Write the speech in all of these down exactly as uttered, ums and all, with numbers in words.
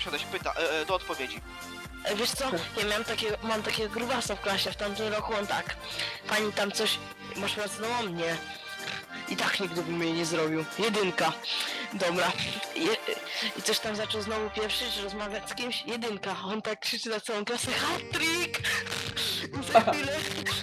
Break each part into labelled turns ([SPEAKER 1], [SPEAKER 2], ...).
[SPEAKER 1] przesiadać pyta, e, e, do odpowiedzi.
[SPEAKER 2] E, Wiesz co, ja miałem takiego, mam takiego grubasa w klasie, w tamtym roku on tak. Pani tam coś, masz pracowała mnie. I tak nigdy bym jej nie zrobił. Jedynka. Dobra. Je, I coś tam zaczął znowu pieprzyć, rozmawiać z kimś. Jedynka. On tak krzyczy na całą klasę, hat-trick! I za chwilę...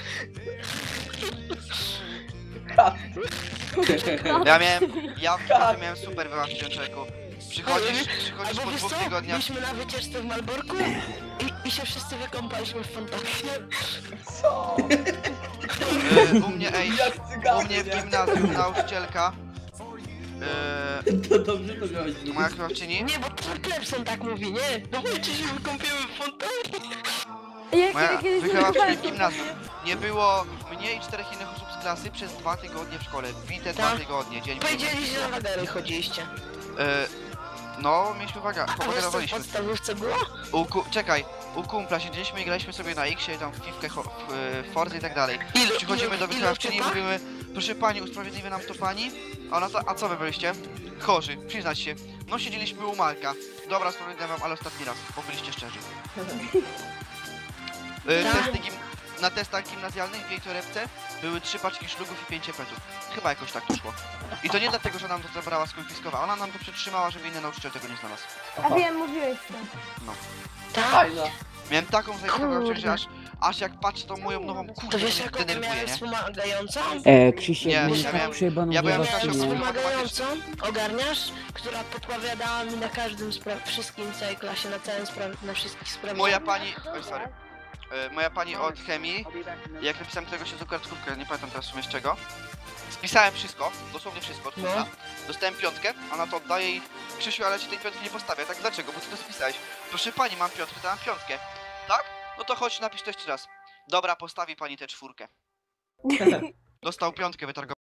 [SPEAKER 1] Ja miałem, ja w klasie miałem super wyłapcie, człowieku. Przychodzisz, przychodzisz
[SPEAKER 2] Albo
[SPEAKER 1] po
[SPEAKER 2] wiesz
[SPEAKER 1] dwóch
[SPEAKER 2] co?
[SPEAKER 1] tygodniach.
[SPEAKER 2] Byliśmy na wycieczce w Malborku i, i się wszyscy wykąpaliśmy w fontannie.
[SPEAKER 3] Co?
[SPEAKER 1] E, u mnie, ej,
[SPEAKER 3] Jak cyganie,
[SPEAKER 1] u mnie w
[SPEAKER 3] nie?
[SPEAKER 1] gimnazjum nauczycielka. E,
[SPEAKER 3] To dobrze to miałeś
[SPEAKER 1] moja krawczyni.
[SPEAKER 2] Nie, bo to Clemson tak mówi, nie? No chodźcie się wykąpiemy w fontannie.
[SPEAKER 4] Ja
[SPEAKER 1] Moja
[SPEAKER 4] kiedy kiedyś
[SPEAKER 1] wychowawczyni w gimnazjum. Nie było mnie i czterech innych osób z klasy przez dwa tygodnie w szkole. Bite dwa
[SPEAKER 2] Tak.
[SPEAKER 1] tygodnie, dzień w dzień.
[SPEAKER 2] Powiedzieli, że na wagary chodziliście.
[SPEAKER 1] E, no, mieliśmy waga,
[SPEAKER 2] A wiesz co w
[SPEAKER 1] powagarowaliśmy.
[SPEAKER 2] podstawówce było?
[SPEAKER 1] U ku, czekaj, u kumpla siedzieliśmy i graliśmy sobie na X-ie, tam w piwkę, w, w Forza i tak dalej.
[SPEAKER 2] Ilu-
[SPEAKER 1] Przychodzimy
[SPEAKER 2] ilu-
[SPEAKER 1] do
[SPEAKER 2] ilu
[SPEAKER 1] wychowawczyni i
[SPEAKER 2] typa?
[SPEAKER 1] mówimy, proszę pani, usprawiedliwi nam to pani? A ona to, a co wy byliście? Chorzy, przyznać się. No siedzieliśmy u Marka. Dobra, sprawiedliwiam wam, ale ostatni raz, bo byliście szczerzy. Y,
[SPEAKER 2] Tak.
[SPEAKER 1] testy gim, na testach gimnazjalnych w jej torebce były trzy paczki szlugów i pięć petów. Chyba jakoś tak to szło. I to nie dlatego, że nam to zabrała, skonfiskowała, ona nam to przetrzymała, żeby inny nauczyciel tego nie znalazł.
[SPEAKER 4] A wiem, mówiłeś to.
[SPEAKER 2] Tak.
[SPEAKER 3] Fajna.
[SPEAKER 1] Miałem taką zajebistą
[SPEAKER 2] Kurde.
[SPEAKER 1] że aż, aż jak patrzę tą moją nową kurwę,
[SPEAKER 2] To wiesz
[SPEAKER 1] mnie
[SPEAKER 2] jaką ty
[SPEAKER 1] denerwuje,
[SPEAKER 2] miałem
[SPEAKER 1] nie?
[SPEAKER 2] wspomagającą?
[SPEAKER 5] E, Krzysiek,
[SPEAKER 1] Nie,
[SPEAKER 5] nie,
[SPEAKER 1] ja
[SPEAKER 5] tak
[SPEAKER 1] miałem-
[SPEAKER 5] przejebaną
[SPEAKER 1] ja byłem
[SPEAKER 5] wiadomość,
[SPEAKER 1] w
[SPEAKER 2] Miałem
[SPEAKER 1] klasze
[SPEAKER 5] nie?
[SPEAKER 2] wspomagającą, ogarniasz? Która podpowiadała mi na każdym spra- wszystkim w całej klasie, na całym spra- na wszystkich sprawach.
[SPEAKER 1] Moja pani, oj sorry, E, moja pani od chemii, jak napisałem tego się z kartkówkę, nie pamiętam teraz w sumie z czego, spisałem wszystko, dosłownie wszystko od
[SPEAKER 2] No.
[SPEAKER 1] kumpla. Dostałem piątkę, ona to oddaje i Krzysiu, ale ci tej piątki nie postawię, tak dlaczego, bo ty to spisałeś. Proszę pani, mam piątkę, to mam piątkę, tak? No to chodź, napisz to jeszcze raz. Dobra, postawi pani tę czwórkę. Dostał piątkę, wytargował.